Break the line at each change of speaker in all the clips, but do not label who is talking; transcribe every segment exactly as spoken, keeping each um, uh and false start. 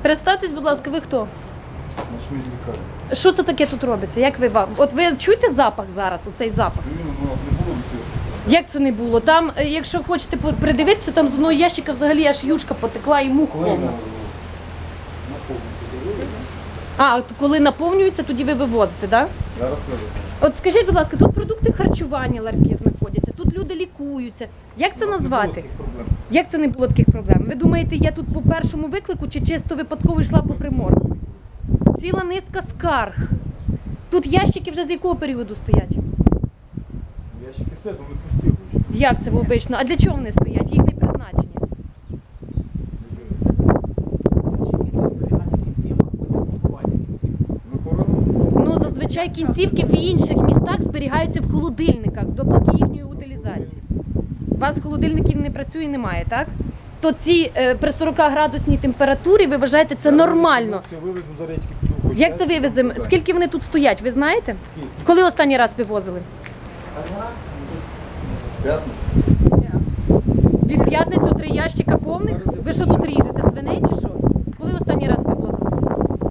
Представтесь, будь ласка, ви хто?
Ночний лікарні.
Що це таке тут робиться? Як ви вам? От ви чуєте запах зараз, оцей запах?
Ну, не було цього.
Як це не було? Там, е, якщо хочете по- придивитися, там з одного ящика взагалі аж юшка потекла і мух
Коли
повна.
воно наповниться?
А, от коли наповнюється, тоді ви вивозите, так? Да?
Зараз вивеземо.
От скажіть, будь ласка, тут продукти харчування ларки знаходяться, тут люди лікуються. Як це
У нас не було
назвати?
таких проблем.
Як це не було таких проблем? Ви думаєте, я тут по першому виклику чи чисто випадково йшла по примору? Ціла низка скарг. Тут ящики вже з якого періоду стоять?
Ящики стоять, вони пусті обично.
Як це обично? А для чого вони стоять? Їхнє призначення.
Ну, корону.
Ну, зазвичай кінцівки в інших містах зберігаються в холодильниках, допоки їхньої утилізації. У вас холодильників не працює і немає, так? То ці е, при сорокаградусній температурі, ви вважаєте, це нормально?
Все, вивеземо до речки. піду хоч
Як це
ящик,
вивеземо?
там
Скільки вони тут стоять, ви знаєте?
Скільки?
Коли останній раз вивозили?
П'ятницю.
Від п'ятницю три ящика повних? Ви що тут ріжете, свиней чи що? Коли останній раз вивозилися?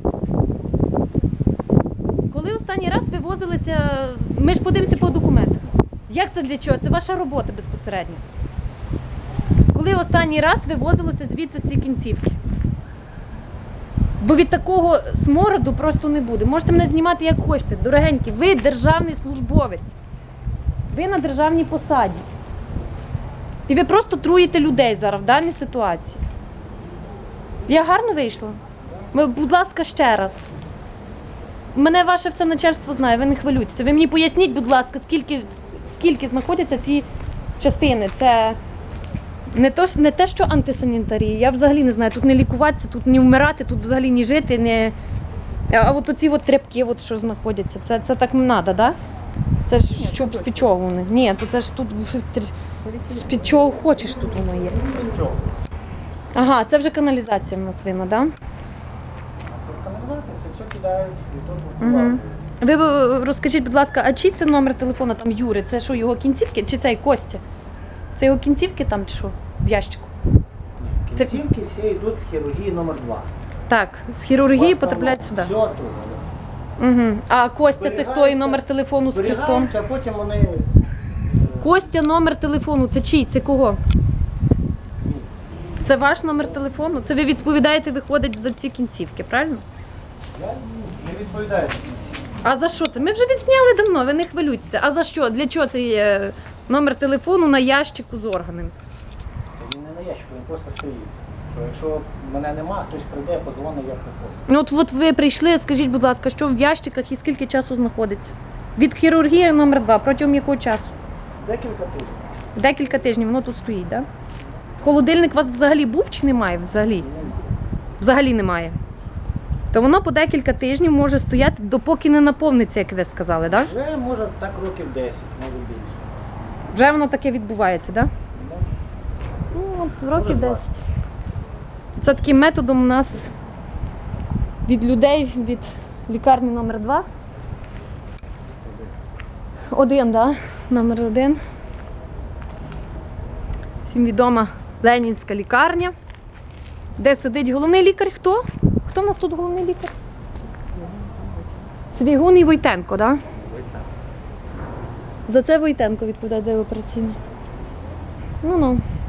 Коли останній раз вивозилися, ми ж подивимося по документах. Як це для чого? Це ваша робота безпосередньо. Коли останній раз вивозилося звідси ці кінцівки? Бо від такого смороду просто не буде. Можете мене знімати як хочете. Дорогенькі, ви державний службовець. Ви на державній посаді. І ви просто труїте людей зараз в даній ситуації. Я гарно вийшла? Ви, будь ласка, ще раз. Мене ваше все начальство знає, ви не хвилюйтеся. Ви мені поясніть, будь ласка, скільки, скільки знаходяться ці частини. Це не, то, не те, що антисанітарія. Я взагалі не знаю, тут не лікуватися, тут не вмирати, тут взагалі не жити, не... А от оці от тряпки, от, що знаходяться, це, це так не треба, да? Це ж щоб з-під чого вони? Ні, то це ж тут з-під чого хочеш тут воно є. Ага, це вже каналізація в нас винна, так? Да?
Це ж каналізація, це все кидають і тут
Угу.
угу.
Ви е, розкажіть, будь ласка, а чий це номер телефону там Юри? Це що, його кінцівки? Чи цей Костя? Це його кінцівки там чи що? В ящику? Це-
Кінцівки всі йдуть з хірургії номер два.
Так, з хірургії потрапляють сюди.
Все тут.
Угу. А Костя це хто і номер телефону з хрестом?
Зберігаються, а потім вони... е,
Костя, номер телефону, це чий? Це кого? Це ваш номер телефону? Це ви відповідаєте, виходить за ці кінцівки, правильно?
Я не відповідаю за кінцівки.
А за що це? Ми вже відзняли давно, ви не хвилюйтеся. А за що? Для чого це є номер телефону на ящику з органами?
Це він не на ящику, він просто стоїть. Що якщо мене нема, хтось прийде, позвонить, я приходжу.
Ну от, от ви прийшли, скажіть, будь ласка, що в ящиках і скільки часу знаходиться? Від хірургії номер два, протягом якого часу?
Декілька тижнів.
Декілька тижнів воно тут стоїть, так? Да? Холодильник у вас взагалі був чи немає? Взагалі? Взагалі немає. То воно по декілька тижнів може стояти, допоки не наповниться, як ви сказали, так? Да?
Вже може так років десять, може більше.
Вже воно таке відбувається, так? Да?
Да.
Ну, от років
Може,
десять. Це таким методом у нас від людей, від лікарні номер два. Один, так? Да? Номер один. Всім відома Ленінська лікарня. Де сидить головний лікар? Хто? Хто в нас тут головний лікар? Цвігун і Войтенко, так? Да? За це Войтенко відповідає, де операційний. Ну-ну.